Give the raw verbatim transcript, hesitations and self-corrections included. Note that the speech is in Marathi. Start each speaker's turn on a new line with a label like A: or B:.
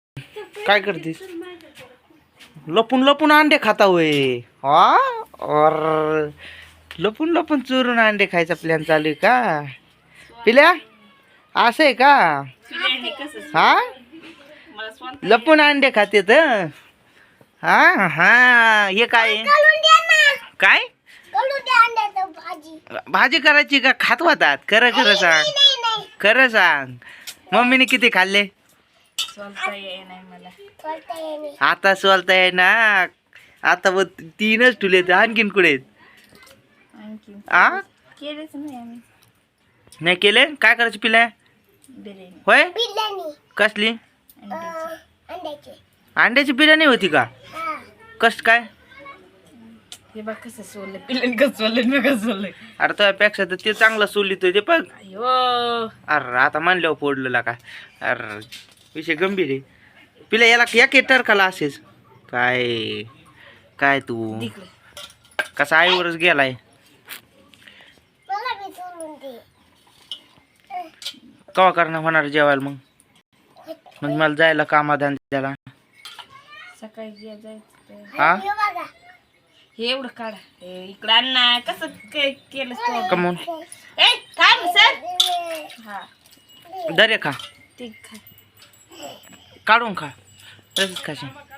A: काय करतीस? लपून लपून अंडे खाता होय. हा और लपून लपून चोरून अंडे खायचा प्लॅन चालू आहे का पिल्या? असं आहे का? हा लपून अंडे खाते तर हा हा हे काय काय भाजी करायची का खात होतात? खरं खरं सांग, खरं सांग. मम्मीने किती खाल्ले? आता सोलता आहे ना. आता व तीनच ठुले तर आणखीन कुठे आ नाही केले? काय करायचे पिल्या? होय कसली? अंड्याची बिर्याणी होती का? कस काय?
B: हे बघ कसं सोललं पिल्लन कसं सोललं मी कसं सोललंय.
A: अरे त्यापेक्षा तर ते चांगलं सोलितोय ते बघ.
B: अयो
A: अरे आता म्हणल्यावर फोडलेला का? अरे विषय गंभीर आहे पिल्या. याला एक एटर खाला असेच काय काय तू कसा आईवरच गेलाय. कवा करणार होणार जेवायला मग? मग मला जायला कामाधंद्याला
B: सकाळी जे जायचं
A: हा
B: हे एवढं काढा इकडं आणा कसं काय केलं तो
A: कमून
B: ए थांब सर हा
A: दरे खा
B: ठीक खा
A: काढून खा तसंच खाशील.